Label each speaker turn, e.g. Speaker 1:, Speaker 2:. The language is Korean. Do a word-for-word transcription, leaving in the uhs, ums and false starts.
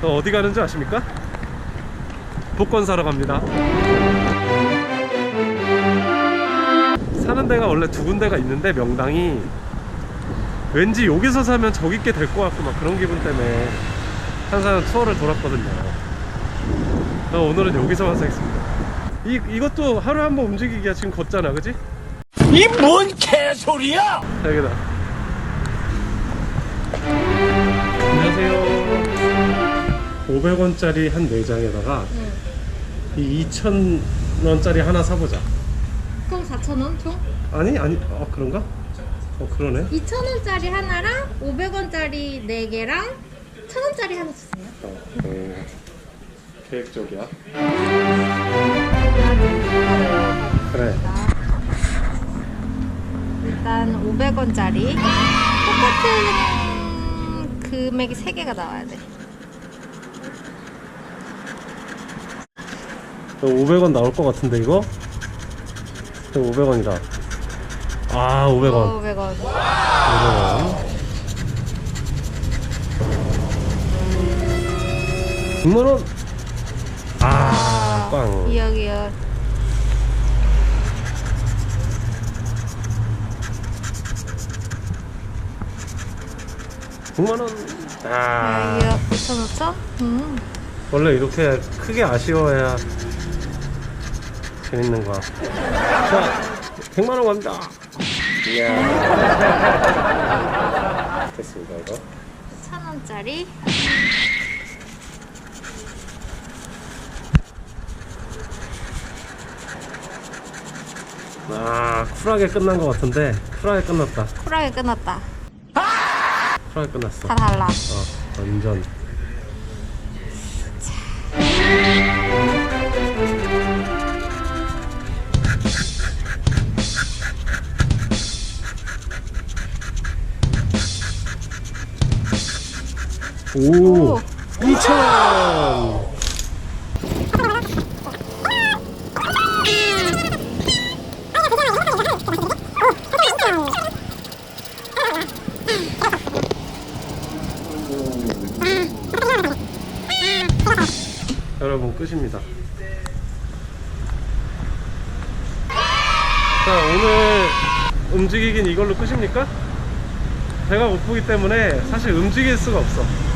Speaker 1: 어, 어디 가는지 아십니까? 복권 사러 갑니다. 사는 데가 원래 두 군데가 있는데 명당이 왠지 여기서 사면 저기 게 될 것 같고 막 그런 기분 때문에 항상 투어를 돌았거든요. 오늘은 여기서만 사겠습니다. 이, 이것도 하루에 한 번 움직이기야 지금 걷잖아, 그지?
Speaker 2: 이 뭔 개소리야!
Speaker 1: 자, 여기다. 안녕하세요. 오백 원짜리 한 네 장에다가
Speaker 3: 응.
Speaker 1: 이 이천 원짜리 하나 사보자.
Speaker 3: 그럼 사천 원 총?
Speaker 1: 아니 아니 어 그런가? 어 그러네.
Speaker 3: 이천 원짜리 하나랑 오백 원짜리 네 개랑 천 원짜리 하나 주세요.
Speaker 1: 어, 음, 계획적이야. 그래.
Speaker 3: 일단 오백 원짜리 똑같은 금액이 세 개가 나와야 돼.
Speaker 1: 오백 원 나올 것 같은데 이거? 오백 원이다. 아 오백 원.
Speaker 3: 어, 오백 원.
Speaker 1: 오백 원. 육만 원. 아, 빵.
Speaker 3: 이억이요.
Speaker 1: 육만 원. 아.
Speaker 3: 이억 오천 오천? 음.
Speaker 1: 원래 이렇게 크게 아쉬워야 재밌는 거야. 자, 백만 원 갑니다. 이야. 됐습니다, 이거.
Speaker 3: 천 원짜리.
Speaker 1: 아, 쿨하게 끝난 것 같은데 쿨하게 끝났다.
Speaker 3: 쿨하게 끝났다.
Speaker 1: 쿨하게 끝났어.
Speaker 3: 다 달라.
Speaker 1: 어, 완전. 오,
Speaker 3: 오.
Speaker 1: 이천 원. 여러분 끝입니다. 자, 오늘 움직이긴 이걸로 끝입니까? 배가 고프기 때문에 사실 움직일 수가 없어.